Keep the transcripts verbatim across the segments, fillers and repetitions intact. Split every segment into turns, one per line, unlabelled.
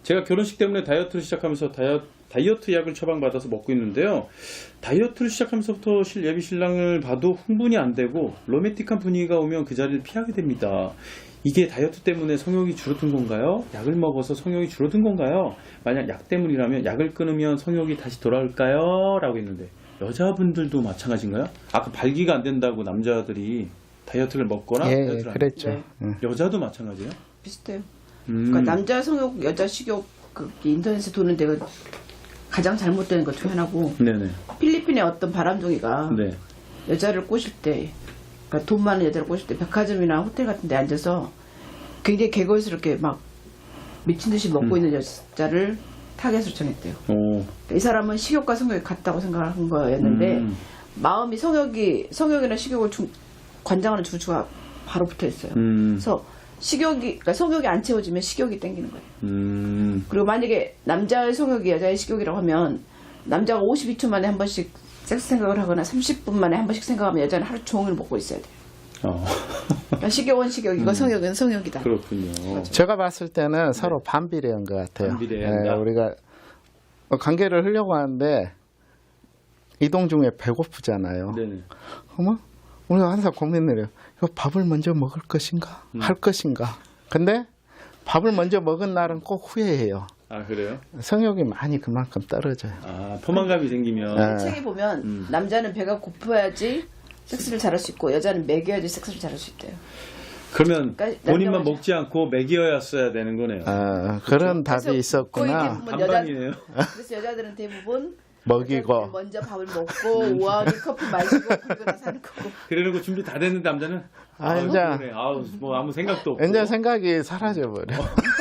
제가 결혼식 때문에 다이어트를 시작하면서 다이어, 다이어트 약을 처방받아서 먹고 있는데요. 다이어트를 시작하면서부터 실 예비 신랑을 봐도 흥분이 안 되고 로맨틱한 분위기가 오면 그 자리를 피하게 됩니다. 이게 다이어트 때문에 성욕이 줄어든 건가요? 약을 먹어서 성욕이 줄어든 건가요? 만약 약 때문이라면 약을 끊으면 성욕이 다시 돌아올까요? 라고 했는데 여자분들도 마찬가지인가요? 아까 발기가 안 된다고 남자들이 다이어트를 먹거나
예,
다이어트를
그랬죠.
네.
응.
여자도 마찬가지예요?
비슷해요.
음.
그러니까 남자 성욕, 여자 식욕 그 인터넷에 도는 데가 가장 잘못된 것 중 하나고
네네.
필리핀의 어떤 바람둥이가
네.
여자를 꼬실 때 그러니까 돈 많은 여자를 꼬실 때 백화점이나 호텔 같은 데 앉아서 굉장히 개걸스럽게 막 미친 듯이 먹고
음.
있는 여자를 타겟으로 정했대요.
오.
이 사람은 식욕과 성욕이 같다고 생각한 거였는데
음.
마음이 성욕이 성욕이나 식욕을 중, 관장하는 주주가 바로 붙어 있어요.
음.
그래서 식욕이 그러니까 성욕이 안 채워지면 식욕이 땡기는 거예요.
음.
그리고 만약에 남자의 성욕이 여자의 식욕이라고 하면 남자가 오십이 초 만에 한 번씩 섹스 생각을 하거나 삼십 분 만에 한 번씩 생각하면 여자는 하루 종일 먹고 있어야 돼요.
어.
그러니까 식욕은 식욕이고
음.
성욕은 성욕이다.
그렇군요.
제가 봤을 때는 서로 반비례한 것 같아요.
반비례해야 한다?
예, 우리가 관계를 하려고 하는데 이동 중에 배고프잖아요.
네네.
어머, 우리가 항상 고민을 해요. 이거 밥을 먼저 먹을 것인가?
음.
할 것인가? 근데 밥을 먼저 먹은 날은 꼭 후회해요.
아 그래요?
성욕이 많이 그만큼 떨어져요.
아 포만감이 생기면.
네.
책에 보면
음.
남자는 배가 고파야지 섹스를 잘할 수 있고 여자는 먹여야지 섹스를 잘할 수 있대요.
그러면
그러니까
본인만
남자가-
먹지 않고 먹이어야 되는 거네요.
아, 그런 답이
그래서
있었구나.
거의 대부분 여자,
반반이네요.
그래서 여자들은 대부분
먹이고.
여자들은 먼저 밥을 먹고 우아하게 커피 마시고 그리고 나서 하는 거고.
그러는 거 준비 다 됐는데 남자는
아,
아유,
이제-
그래. 아우 뭐 아무 생각도 없고.
이제 생각이 사라져버려.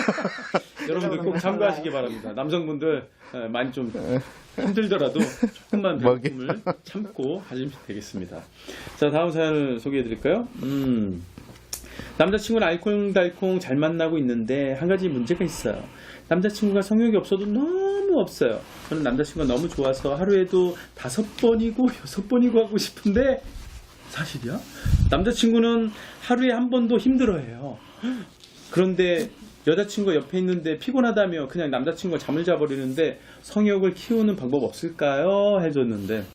여러분들 꼭 참고하시기 바랍니다. 남성분들 에, 많이 좀 힘들더라도 조금만
먹이.
배고픔을 참고 하시면 되겠습니다. 자 다음 사연을 소개해 드릴까요? 음. 남자친구는 알콩달콩 잘 만나고 있는데 한 가지 문제가 있어요. 남자친구가 성욕이 없어도 너무 없어요. 저는 남자친구가 너무 좋아서 하루에도 다섯 번이고 여섯 번이고 하고 싶은데 사실이야? 남자친구는 하루에 한 번도 힘들어해요. 그런데 여자친구가 옆에 있는데 피곤하다며 그냥 남자친구가 잠을 자버리는데 성욕을 키우는 방법 없을까요? 해줬는데